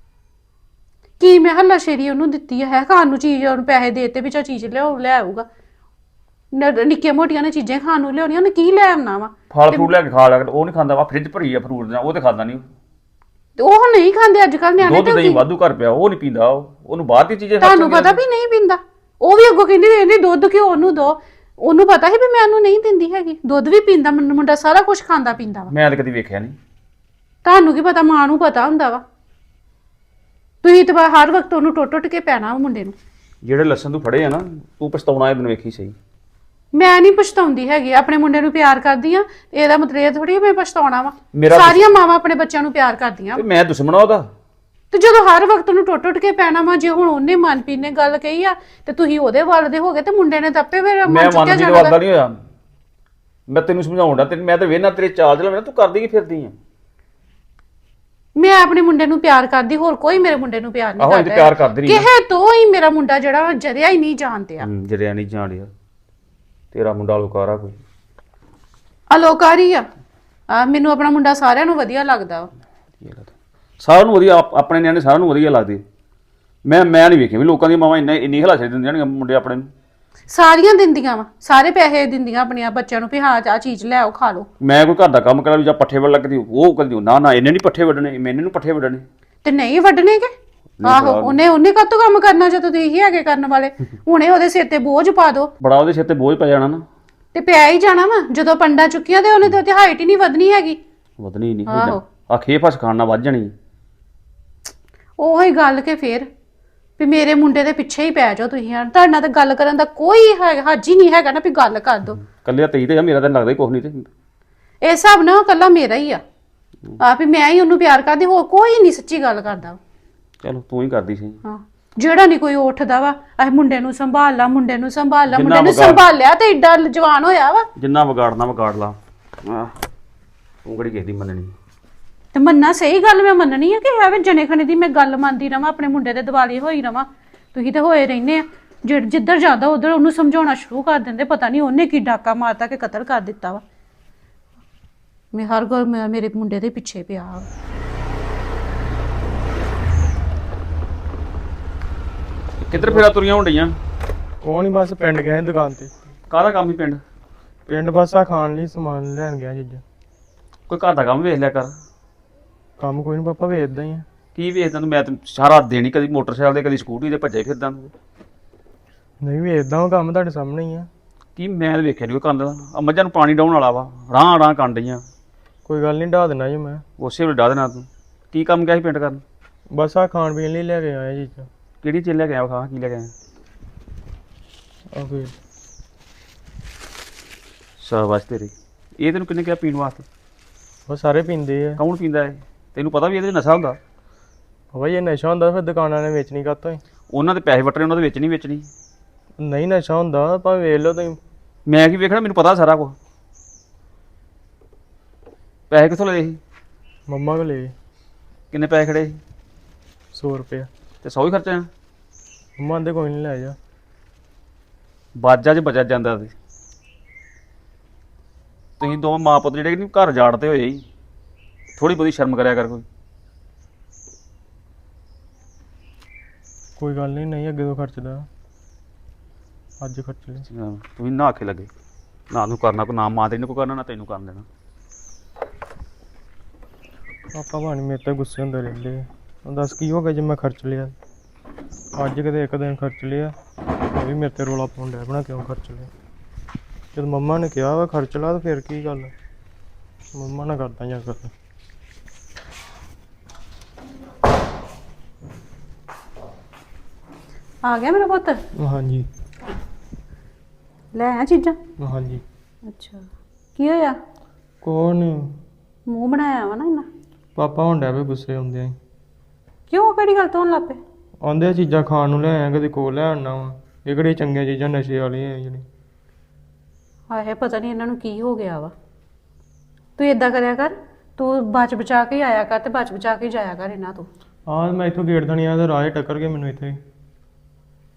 S2: ਕੀ ਮੈਂ ਹੱਲਾਸ਼ੇਰੀ ਉਹਨੂੰ ਦਿੱਤੀ ਹੈ ਖਾਣ ਨੂੰ ਚੀਜ਼, ਉਹਨੂੰ ਪੈਸੇ ਦੇਤੇ ਵੀ ਚਾ ਚੀਜ਼ ਲੈ ਆਊਗਾ। ਨਿੱਕੀਆਂ ਮੋਟੀਆਂ ਨੇ ਚੀਜ਼ਾਂ ਖਾਣ ਨੂੰ ਲਿਆਉਣੀਆਂ, ਉਹਨੇ ਕੀ ਲੈ ਆਉਣਾ ਵਾ।
S6: ਫਲ ਫਰੂਟ ਲੈ ਕੇ ਖਾ ਲਿਆ ਕਰ, ਉਹ ਨਹੀਂ ਖਾਂਦਾ ਵਾ। ਫ੍ਰਿਜ ਭਰੀ ਆ ਫਰੂਟ ਦੇ, ਉਹ ਤੇ ਖਾਂਦਾ ਨਹੀਂ।
S2: ਤੇ ਉਹ ਨਹੀਂ ਖਾਂਦੇ ਅੱਜ ਕੱਲ ਨਿਆਣੇ।
S6: ਦੁੱਧ ਦਹੀਂ ਵਾਧੂ ਘਰ ਪਿਆ, ਉਹ ਨਹੀਂ ਪੀਂਦਾ। ਉਹਨੂੰ ਬਾਹਰ ਦੀ ਚੀਜ਼ਾਂ
S2: ਤੁਹਾਨੂੰ ਪਤਾ ਵੀ ਨਹੀਂ ਪੀਂਦਾ। ਉਹ ਵੀ ਅੱਗੋਂ ਕਹਿੰਦੀ ਦੁੱਧ ਕਿਉਂ ਉਹਨੂੰ ਦੋ। ਉਹਨੂੰ ਪਤਾ ਸੀ ਵੀ ਮੈਂ ਉਹਨੂੰ ਨਹੀਂ ਦਿੰਦੀ ਹੈਗੀ। ਦੁੱਧ ਵੀ ਪੀਂਦਾ ਮੁੰਡਾ, ਸਾਰਾ ਕੁਝ ਖਾਂਦਾ ਪੀਂਦਾ ਵਾ।
S6: ਮੈਂ ਤਾਂ ਕਦੀ ਵੇਖਿਆ ਨਹੀਂ।
S2: ਤੁਹਾਨੂੰ ਕੀ ਪਤਾ, ਮਾਂ ਨੂੰ ਪਤਾ ਹੁੰਦਾ ਵਾ। ਤੁਸੀਂ ਤਾਂ ਹਰ ਵਕਤ ਉਹਨੂੰ ਟੁੱਟ ਕੇ ਪੈਣਾ ਵਾ ਮੁੰਡੇ ਨੂੰ।
S6: ਜਿਹੜੇ ਲੱਸਣ ਤੂੰ ਫੜੇ ਆ ਨਾ, ਤੂੰ ਪਛਤਾਉਣਾ ਇਹ ਦਿਨ ਵੇਖੀ ਸਹੀ।
S2: ਮੈਂ ਨਹੀਂ ਪਛਤਾਉਂਦੀ ਹੈਗੀ, ਆਪਣੇ ਮੁੰਡੇ ਨੂੰ ਪਿਆਰ ਕਰਦੀ ਆ। ਇਹਦਾ ਮਤਲਬ ਇਹ ਥੋੜੀ ਮੈਂ ਪਛਤਾਉਣਾ ਵਾ।
S6: ਮੇਰਾ
S2: ਸਾਰੀਆਂ ਮਾਵਾਂ ਆਪਣੇ ਬੱਚਿਆਂ ਨੂੰ ਪਿਆਰ ਕਰਦੀਆਂ
S6: ਤੇ ਮੈਂ ਦੁਸ਼ਮਣ ਆ ਉਹਦਾ।
S2: ਤੇ ਜਦੋਂ ਹਰ ਵਕਤ ਉਹਨੂੰ ਟੁੱਟ ਕੇ ਪੈਣਾ ਵਾ, ਜੇ ਹੁਣ ਉਹਨੇ ਮਨਪ੍ਰੀਤ ਨੇ ਗੱਲ ਕਹੀ ਆ ਤੇ ਤੁਸੀਂ ਉਹਦੇ ਵੱਲ ਦੇ ਹੋ ਗਏ ਤੇ ਮੁੰਡੇ ਨੇ ਦੱਪੇ ਫਿਰ
S6: ਮੈਂ
S2: ਮਨ ਚੁੱਕਿਆ
S6: ਮਨਪ੍ਰੀਤ
S2: ਜਾਣਾ।
S6: ਵਾਦਾ ਨਹੀਂ ਹੋਇਆ। ਮੈਂ ਤੈਨੂੰ ਸਮਝਾਉਂਦਾ, ਮੈਂ ਤਾਂ ਵੇਖਣਾ ਤੇਰੇ ਚਾਲ ਚਲਾ ਤੂੰ ਕਰਦੀ ਕੀ ਫਿਰਦੀ ਆ।
S2: ਮੈਂ ਆਪਣੇ ਮੁੰਡੇ ਨੂੰ ਪਿਆਰ ਕਰਦੀ, ਹੋਰ ਕੋਈ ਮੇਰੇ ਮੁੰਡੇ ਨੂੰ ਪਿਆਰ ਨਹੀਂ
S6: ਆਹੋ ਇਹ
S2: ਕਰਦਾ।
S6: ਪਿਆਰ ਕਰਦੀ ਰਹੀ
S2: ਕਿਸੇ ਤੋਂ ਹੀ ਮੇਰਾ ਮੁੰਡਾ ਜਿਹੜਾ ਜਰਿਆ ਹੀ ਨਹੀਂ ਜਾਣਦਿਆ।
S6: ਜਰਿਆ ਨਹੀਂ ਜਾਣ ਡਿਆ। ਤੇਰਾ ਮੁੰਡਾ ਲੋਕਾਰਾ ਕੋਈ
S2: ਅਲੋਕਾਰੀ ਆ। ਮੈਨੂੰ ਆਪਣਾ ਮੁੰਡਾ ਸਾਰਿਆਂ ਨੂੰ ਵਧੀਆ ਲੱਗਦਾ ਵਾ।
S6: ਸਾਰਿਆਂ ਨੂੰ ਵਧੀਆ, ਆਪਣੇ ਨਿਆਣੇ ਸਾਰਿਆਂ ਨੂੰ ਵਧੀਆ ਲੱਗਦੇ। ਮੈਂ ਨਹੀਂ ਵੇਖਿਆ ਵੀ ਲੋਕਾਂ ਦੀਆਂ ਮਾਵਾਂ ਇੰਨੀ ਹਲਾਸ਼ੇ ਦਿੰਦੀਆਂ ਨੇ ਮੁੰਡੇ ਆਪਣੇ ਨੂੰ।
S2: ਸਾਰੀਆਂ ਦਿੰਦੀਆਂ ਵਾ, ਸਾਰੇ ਪੈਸੇ ਦਿੰਦੀਆਂ ਆਪਣੇ ਬੱਚਿਆਂ ਨੂੰ ਵੀ ਹਾਂ ਆਹ ਚੀਜ਼ ਲੈ ਆਓ ਖਾ ਲਓ।
S6: ਮੈਂ ਕੋਈ ਘਰ ਦਾ ਕੰਮ ਕਰਾਂ ਵੀ ਜਾਂ ਪੱਠੇ ਵੱਢ ਲੱਗਦੀ, ਉਹ ਕਹਿੰਦੀ ਨਾ ਇਹਨੇ ਨਹੀਂ ਪੱਠੇ ਵੱਢਣੇ, ਮੈਨੇ ਨੂੰ ਪੱਠੇ ਵੱਢਣੇ।
S2: ਤੇ ਨਹੀਂ ਵੱਢਣੇ ਕਿ ਆਹੋ ਉਹਨੇ ਕਾਹਤੋਂ ਕੰਮ ਕਰਨਾ ਜਦੋਂ ਤੁਸੀਂ ਹੈਗੇ ਕਰਨ ਵਾਲੇ। ਹੁਣੇ ਉਹਦੇ ਸਿਰ ਤੇ ਬੋਝ ਪਾ ਦੋ।
S6: ਬੜਾ ਉਹਦੇ ਸਿਰ ਤੇ ਬੋਝ ਪੈ ਜਾਣਾ ਨਾ।
S2: ਤੇ ਪਿਆ ਹੀ ਜਾਣਾ ਵਾ। ਜਦੋਂ ਪੰਡਾ ਚੁੱਕੀਆਂ ਤੇ ਉਹਨੇ ਤੇ ਹਾਈਟ ਹੀ ਨਹੀਂ ਵਧਣੀ ਹੈਗੀ।
S6: ਵਧਣੀ ਨਹੀਂ
S2: ਆਹੋ।
S6: ਆ ਖੇ ਫਸ ਖਾਣ ਨਾਲ ਵੱਧ ਜਾਣੀ।
S2: ਉਹੀ ਗੱਲ ਕਿ ਫੇਰ ਵੀ ਮੇਰੇ ਮੁੰਡੇ ਦੇ ਪਿੱਛੇ ਹੀ ਪੈ ਜਾਓ ਤੁਸੀਂ। ਤੁਹਾਡੇ ਨਾਲ ਤਾਂ ਗੱਲ ਕਰਨ ਦਾ ਕੋਈ ਹੱਜ ਹੀ ਨਹੀਂ ਹੈਗਾ ਨਾ ਵੀ ਗੱਲ ਕਰ ਦੋ।
S6: ਕੱਲਿਆ ਤੇਈ ਤੇ ਆ, ਮੇਰਾ ਤਾਂ ਲੱਗਦਾ ਹੀ ਕੁਛ ਨਹੀਂ। ਤੇ
S2: ਇਸ ਹਿਸਾਬ ਨਾਲ ਉਹ ਕੱਲਾ ਮੇਰਾ ਹੀ ਆ ਵੀ ਮੈਂ ਹੀ ਉਹਨੂੰ ਪਿਆਰ ਕਰਦੀ, ਹੋਰ ਕੋਈ ਨਹੀਂ ਸੱਚੀ ਗੱਲ ਕਰਦਾ।
S6: ਚਲੋ ਤੂੰ ਹੀ ਕਰਦੀ ਸੀ।
S2: ਹਾਂ ਜਿਹੜਾ ਨਹੀਂ ਕੋਈ ਉੱਠਦਾ ਵਾ ਇਹ ਮੁੰਡੇ ਨੂੰ ਸੰਭਾਲ ਲਾ, ਮੁੰਡੇ ਨੂੰ ਸੰਭਾਲ ਲਾ,
S6: ਜਿੰਨਾ
S2: ਮੁੰਡੇ ਨੂੰ
S6: ਵਿਗਾੜ-
S2: ਸੰਭਾਲਿਆ ਤੇ ਏਡਾ ਜਵਾਨ ਹੋਇਆ ਵਾ।
S6: ਜਿੰਨਾ ਵਿਗਾੜਨਾ ਵਿਗਾੜ ਲਾ। ਤੂੰ ਕਿਹੜੀ ਕਿਸੇ ਦੀ ਮੰਨਣੀ।
S2: ਤੇ ਮੰਨਾ ਸਹੀ ਗੱਲ ਮੈਂ ਮੰਨਣੀ ਆ ਕਿ ਐਵੇਂ ਜਨੇ ਖਣੇ ਦੀ ਮੈਂ ਗੱਲ ਮੰਨਦੀ ਰਵਾਂ, ਆਪਣੇ ਮੁੰਡੇ ਦੇ ਦਿਵਾਲੀ ਹੋਈ ਰਵਾਂ। ਤੁਸੀਂ ਤੇ ਹੋਏ ਰਹਿੰਦੇ ਆ। ਜਿੱਧਰ ਜਾਂਦਾ ਉਧਰ ਉਹਨੂੰ ਸਮਝਾਉਣਾ ਸ਼ੁਰੂ ਕਰ ਦਿੰਦੇ। ਪਤਾ ਨਹੀਂ ਉਹਨੇ ਕੀ ਡਾਕਾ ਮਾਰਤਾ ਕਿ ਕਤਲ ਕਰ ਦਿੱਤਾ ਵਾ। ਮੈਂ ਹਰ ਗੱਲ ਮੇਰੇ ਮੁੰਡੇ ਦੇ ਪਿੱਛੇ ਪਿਆ ਵਾ।
S6: ਕਿੱਧਰ ਫੇਰਾ ਤੁਰੀਆਂ ਹੁੰਦੀਆਂ?
S1: ਉਹ ਨਹੀਂ ਬਸ ਪਿੰਡ ਗਏ ਸੀ ਦੁਕਾਨ ਤੇ।
S6: ਕਾਹਦਾ ਕੰਮ ਹੀ ਪਿੰਡ?
S1: ਪਿੰਡ ਬਸ ਆ ਖਾਣ ਲਈ ਸਮਾਨ ਲੈਣ ਗਿਆ ਚੀਜ਼ਾਂ।
S6: ਕੋਈ ਘਰ ਦਾ ਕੰਮ ਵੇਖ ਲਿਆ ਕਰ।
S1: ਕੰਮ ਕੋਈ ਨਹੀਂ ਪਾਪਾ, ਵੇਚਦਾ ਹੀ ਆ।
S6: ਕੀ ਵੇਚਦਾ ਤੂੰ? ਮੈਂ ਤਾਂ ਸਾਰਾ ਦਿਨ ਹੀ ਕਦੀ ਮੋਟਰਸਾਈਕਲ ਤੇ ਕਦੀ ਸਕੂਟਰੀ ਤੇ ਭੱਜੇ ਫਿਰਦਾ ਤੂੰ।
S1: ਨਹੀਂ ਵੇਚਦਾ, ਉਹ ਕੰਮ ਤੁਹਾਡੇ ਸਾਹਮਣੇ ਹੀ ਆ।
S6: ਕੀ ਮੈਂ ਤਾਂ ਵੇਖਿਆ ਨਹੀਂ ਕੋਈ ਕੰਦ ਦਾ। ਆ ਮੱਝਾਂ ਨੂੰ ਪਾਣੀ ਡਾਉਣ ਵਾਲਾ ਵਾ, ਰਾਹ ਕੰਨ ਡਈਆਂ।
S1: ਕੋਈ ਗੱਲ ਨਹੀਂ, ਢਾ ਦੇਣਾ ਜੀ ਮੈਂ।
S6: ਉਸੇ ਵੇਲੇ ਡਾ ਦੇਣਾ ਤੂੰ। ਕੀ ਕੰਮ ਗਿਆ ਸੀ ਪਿੰਡ ਕਰਨ?
S1: ਬਸ ਆ ਖਾਣ ਪੀਣ ਲਈ ਲੈ ਕੇ ਆਇਆ ਚੀਜ਼ਾਂ।
S6: ਕਿਹੜੀ ਚੀਜ਼ ਲੈ ਕੇ ਆਇਆ? ਖਾ ਕੀ ਲੈ ਕੇ ਆਇਆ?
S1: ਆ ਕੋਈ
S6: ਸ਼ਾਬਾਸ਼ ਤੇਰੀ। ਇਹ ਤੈਨੂੰ ਕਿੰਨੇ ਕਿਹਾ ਪੀਣ ਵਾਸਤੇ?
S1: ਉਹ ਸਾਰੇ ਪੀਂਦੇ ਆ।
S6: ਕੌਣ ਪੀਂਦਾ ਹੈ? ਤੈਨੂੰ ਪਤਾ ਵੀ ਇਹਦੇ 'ਚ ਨਸ਼ਾ ਹੁੰਦਾ।
S1: ਬਾਬਾ ਇਹ ਨਸ਼ਾ ਹੁੰਦਾ ਫਿਰ ਦੁਕਾਨਾਂ ਨੇ ਵੇਚਣੀ ਕਾਹਤੋਂ ਹੀ।
S6: ਉਹਨਾਂ ਦੇ ਪੈਸੇ ਵੱਟਣੇ, ਉਹਨਾਂ ਦੇ ਵਿੱਚ ਨਹੀਂ ਵੇਚਣੀ।
S1: ਨਹੀਂ ਨਸ਼ਾ ਹੁੰਦਾ ਭਾਵੇਂ ਵੇਚ ਲਓ ਤੁਸੀਂ।
S6: ਮੈਂ ਕੀ ਵੇਖਣਾ, ਮੈਨੂੰ ਪਤਾ ਸਾਰਾ ਕੁਝ। ਪੈਸੇ ਕਿੱਥੋਂ ਲਏ ਸੀ?
S1: ਮੰਮਾ ਕੋਲ ਲਏ
S6: ਕਿੰਨੇ ਪੈਸੇ ਖੜੇ ਸੀ?
S1: 100 ਰੁਪਇਆ।
S6: ਤੇ 100 ਹੀ ਖਰਚਿਆ?
S1: ਮੰਮਾ ਆਂਦੇ ਕੋਈ ਨਹੀਂ ਲੈ ਜਾ।
S6: ਬਾਜਾ 'ਚ ਬਚਿਆ ਜਾਂਦਾ ਸੀ। ਤੁਸੀਂ ਦੋਵੇਂ ਮਾਂ ਪੁੱਤ ਜਿਹੜੇ ਨਹੀਂ ਘਰ ਜਾੜਦੇ ਹੋਏ ਹੀ, ਥੋੜੀ ਬਹੁਤੀ ਸ਼ਰਮ ਕਰਿਆ ਕਰ ਕੋਈ।
S1: ਕੋਈ ਗੱਲ ਨਹੀਂ, ਨਹੀਂ ਅੱਗੇ ਤੋਂ ਖਰਚਦਾ, ਅੱਜ ਖਰਚ ਲੈ।
S6: ਤੁਸੀਂ ਨਾ ਆਖੇ ਲੱਗੇ ਨਾ ਨੂੰ ਕਰਨਾ, ਕੋਈ ਨਾ ਮਾਂ ਤੈਨੂੰ ਕੋਈ ਕਰਨਾ ਨਾ ਤੈਨੂੰ ਕਰਨ ਦੇਣਾ।
S1: ਪਾਪਾ ਭਾਣੀ ਮੇਰੇ ਤੇ ਗੁੱਸੇ ਹੁੰਦੇ ਰਹਿੰਦੇ ਆ। ਹੁਣ ਦੱਸ ਕੀ ਹੋ ਗਿਆ ਜੇ ਮੈਂ ਖਰਚ ਲਿਆ? ਅੱਜ ਕਿਤੇ ਇੱਕ ਦਿਨ ਖਰਚ ਲਿਆ, ਉਹ ਵੀ ਮੇਰੇ ਤੇ ਰੋਲਾ ਪਾਉਣ ਡਿਆ ਬਣਾ ਕਿਉਂ ਖਰਚ ਲਿਆ। ਜਦ ਮੰਮਾ ਨੇ ਕਿਹਾ ਵਾ ਖਰਚ ਲਾ ਤਾਂ ਫਿਰ ਕੀ ਗੱਲ? ਮੰਮਾ ਨਾਲ ਕਰਦਾ ਜਾਂ ਕਰ।
S2: ਆ ਗਿਆ ਮੇਰਾ ਪੁੱਤ?
S1: ਹਾਂਜੀ
S2: ਲੈ ਆ ਚੀਜ਼ਾਂ।
S1: ਹਾਂਜੀ।
S2: ਅੱਛਾ ਕੀ ਹੋਇਆ?
S1: ਕੌਣ?
S2: ਮੂੰਹ ਬਣਾਇਆ ਵਾ ਨਾ ਇਹਨਾਂ।
S1: ਪਾਪਾ ਹੁਣ ਡੈ ਪਏ ਗੁੱਸੇ ਆਉਂਦੇ ਆ।
S2: ਕਿਉਂ ਕਿਹੜੀ ਗੱਲ ਤੋਂ ਹੋਣ ਲੱਗ ਪਏ?
S1: ਆਉਂਦੇ ਆ ਚੀਜ਼ਾਂ ਖਾਣ ਨੂੰ ਲੈ ਆਇਆ, ਕਦੇ ਕੋਲ ਲੈ ਆਉਣਾ ਵਾ। ਇਹ ਕਿਹੜੀਆਂ ਚੰਗੀਆਂ ਚੀਜ਼ਾਂ ਨਸ਼ੇ ਵਾਲੀਆਂ ਆ ਜਿਹੜੀ।
S2: ਹਾਏ ਪਤਾ ਨਹੀਂ ਇਹਨਾਂ ਨੂੰ ਕੀ ਹੋ ਗਿਆ ਵਾ। ਤੂੰ ਏਦਾਂ ਕਰਿਆ ਕਰ, ਤੂੰ ਬਚ ਬਚਾ ਕੇ ਆਇਆ ਕਰ ਤੇ ਬਚ ਬਚਾ ਕੇ ਜਾਇਆ ਕਰ ਇਹਨਾਂ ਤੋਂ।
S1: ਹਾਂ ਮੈਂ ਇੱਥੋਂ ਗੇਟ ਥਣੀ ਆ ਤੇ ਰਾਹ 'ਚ ਟੱਕਰ ਕੇ ਮੈਨੂੰ ਇੱਥੇ।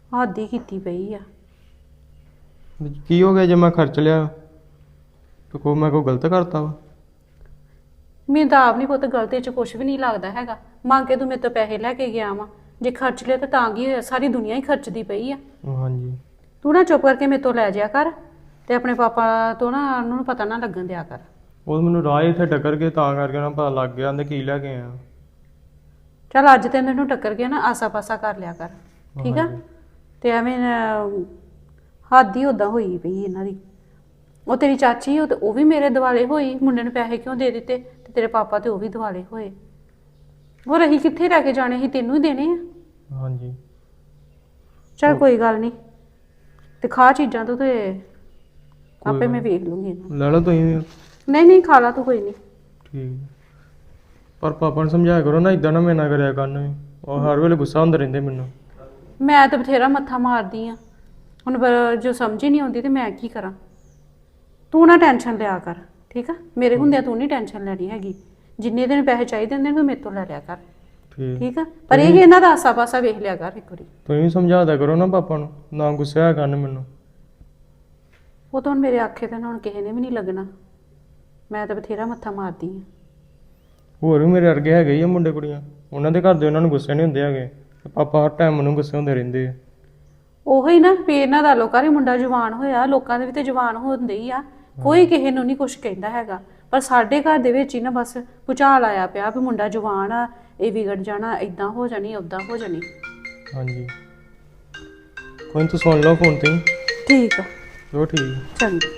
S2: ਹੱਦ ਹੀ ਕੀਤੀ ਪਈ ਆ।
S1: ਕੀ ਹੋ ਗਿਆ ਜੇ ਮੈਂ ਖਰਚ ਲਿਆ ਤੇ ਮੈਂ ਕੋਈ ਗਲਤ ਕਰਤਾ ਵਾ?
S2: ਮੈਨੂੰ ਤਾਂ ਆਪ ਨਹੀਂ ਪੁੱਤ ਗਲਤੀ 'ਚ ਕੁਝ ਵੀ ਨਹੀਂ ਲੱਗਦਾ ਹੈਗਾ। ਮੰਗ ਕੇ ਤੂੰ ਮੇਰੇ ਤੋਂ ਪੈਸੇ ਲੈ ਕੇ ਗਿਆ ਵਾ, ਜੇ ਖਰਚ ਲਿਆ ਤਾਂ ਕੀ ਹੋਇਆ, ਸਾਰੀ ਦੁਨੀਆ ਹੀ ਖਰਚਦੀ ਪਈ ਆ।
S1: ਹਾਂਜੀ।
S2: ਤੂੰ ਨਾ ਚੁੱਪ ਕਰਕੇ ਮੇਰੇ ਤੋਂ ਲੈ ਜਾਇਆ ਕਰ ਤੇ ਆਪਣੇ ਪਾਪਾ ਤੋਂ ਨਾ ਉਹਨਾਂ ਨੂੰ ਪਤਾ ਨਾ ਲੱਗਣ ਦਿਆ ਕਰ।
S1: ਉਹ ਮੈਨੂੰ ਰਾਹ ਹੀ ਇੱਥੇ ਟੱਕਰ ਕੇ ਤਾਂ ਕਰਕੇ ਨਾ ਪਤਾ ਲੱਗ ਗਿਆ, ਕਹਿੰਦੇ ਕੀ ਲੈ ਕੇ ਆਇਆ।
S2: ਚੱਲ ਅੱਜ ਤੇ ਮੈਨੂੰ ਟੱਕਰ ਗਿਆ ਨਾ, ਆਸਾ ਪਾਸਾ ਕਰ ਲਿਆ ਕਰ, ਠੀਕ ਆ? ਤੇ ਐਵੇਂ ਹੱਦ ਹੀ ਉਦਾਂ ਹੋਈ ਪਈ ਇਹਨਾਂ ਦੀ। ਉਹ ਤੇਰੀ ਚਾਚੀ ਉਹ ਵੀ ਮੇਰੇ ਦਿਵਾਲੇ ਹੋਈ, ਮੁੰਡੇ ਨੂੰ ਪੈਸੇ ਕਿਉਂ ਦੇ ਦਿੱਤੇ, ਤੇ ਤੇਰੇ ਪਾਪਾ ਤੇ ਉਹ ਵੀ ਦਿਵਾਲੇ ਹੋਏ। ਹੋਰ ਅਸੀਂ ਕਿੱਥੇ ਲੈ ਕੇ ਜਾਣੇ ਸੀ, ਤੈਨੂੰ ਹੀ ਦੇਣੇ ਆ।
S1: ਹਾਂਜੀ।
S2: ਚੱਲ ਕੋਈ ਗੱਲ ਨਹੀਂ, ਤੇ ਖਾ ਚੀਜ਼ਾਂ ਤੋਂ ਤੇ ਆਪੇ ਮੈਂ ਵੇਖ ਲੂੰਗੀ ਇਹਨੂੰ।
S1: ਲੈ ਲਓ ਤੁਸੀਂ ਵੀ।
S2: ਨਹੀਂ ਖਾ ਲਾ ਤੂੰ, ਕੋਈ ਨਹੀਂ।
S1: ਠੀਕ। ਪਰ ਪਾਪਾ ਨੂੰ ਸਮਝਾਇਆ ਕਰੋ ਨਾ, ਇਦਾਂ ਨਾ ਮੇਰੇ ਨਾਲ ਕਰਿਆ ਕਰਨ ਵੀ, ਉਹ ਹਰ ਵੇਲੇ ਗੁੱਸਾ ਹੁੰਦੇ ਰਹਿੰਦੇ ਮੈਨੂੰ।
S2: ਮੈਂ ਤਾਂ ਬਥੇਰਾ ਮੱਥਾ ਮਾਰਦੀ ਆ ਹੁਣ, ਜੋ ਸਮਝ ਹੀ ਨਹੀਂ ਆਉਂਦੀ ਤੇ ਮੈਂ ਕੀ ਕਰਾਂ। ਤੂੰ ਨਾ ਟੈਨਸ਼ਨ ਲਿਆ ਕਰ, ਠੀਕ ਆ? ਮੇਰੇ ਹੁੰਦਿਆਂ ਤੂੰ ਨਹੀਂ ਟੈਨਸ਼ਨ ਲੈਣੀ ਹੈਗੀ। ਜਿੰਨੇ ਦਿਨ ਪੈਸੇ ਚਾਹੀਦੇ ਹੁੰਦੇ ਨੇ ਤੂੰ ਮੇਰੇ ਤੋਂ ਲੈ ਲਿਆ ਕਰ, ਠੀਕ ਆ? ਪਰ ਇਹ ਇਹਨਾਂ ਦਾ ਆਸਾ ਪਾਸਾ ਵੇਖ ਲਿਆ ਕਰ ਇੱਕ ਵਾਰੀ।
S1: ਤੁਸੀਂ ਵੀ ਸਮਝਾ ਦਿਆ ਕਰੋ ਨਾ ਪਾਪਾ ਨੂੰ, ਨਾ ਗੁੱਸਾ ਹੋਇਆ ਕਰਨ ਮੈਨੂੰ।
S2: ਉਹ ਤਾਂ ਹੁਣ ਮੇਰੇ ਆਖੇ ਤੇ ਹੁਣ ਕਿਸੇ ਨੇ ਵੀ ਨਹੀਂ ਲੱਗਣਾ, ਮੈਂ ਤਾਂ ਬਥੇਰਾ ਮੱਥਾ ਮਾਰਦੀ ਆ।
S1: ਹੋਰ ਵੀ ਮੇਰੇ ਵਰਗੇ ਹੈਗੇ ਹੀ ਆ ਮੁੰਡੇ ਕੁੜੀਆਂ, ਉਹਨਾਂ ਦੇ ਘਰ ਦੇ ਉਹਨਾਂ ਨੂੰ ਗੁੱਸੇ ਨਹੀਂ ਹੁੰਦੇ ਹੈਗੇ, ਪਾਪਾ ਹਰ ਟਾਈਮ ਮੈਨੂੰ ਗੁੱਸੇ ਹੁੰਦੇ ਰਹਿੰਦੇ ਆ।
S2: ਉਹੀ ਨਾ ਵੀ ਇਹਨਾਂ ਦਾ ਲੋਕਾਂ ਦੇ ਮੁੰਡਾ ਜਵਾਨ ਹੋਇਆ, ਲੋਕਾਂ ਦੇ ਵੀ ਤੇ ਜਵਾਨ ਹੁੰਦੇ ਹੀ ਆ, ਕੋਈ ਕਿਸੇ ਨੂੰ ਨਹੀਂ ਕੁਝ ਕਹਿੰਦਾ ਹੈਗਾ। ਪਰ ਸਾਡੇ ਘਰ ਦੇ ਵਿੱਚ ਹੀ ਨਾ ਬਸ ਭੁਚਾਲ ਆਇਆ ਪਿਆ ਵੀ ਮੁੰਡਾ ਜਵਾਨ ਆ, ਇਹ ਵਿਗੜ ਜਾਣਾ, ਇਦਾਂ ਹੋ ਜਾਣੀ, ਉਦਾਂ ਹੋ ਜਾਣੀ।
S1: ਹਾਂਜੀ। ਕੋਈ ਨੀ, ਤੂੰ ਸੁਣ ਲਓ ਫੋਨ ਤੇ ਹੀ।
S2: ਠੀਕ ਆ,
S1: ਚਲੋ ਠੀਕ।
S2: ਚੰਗਾ।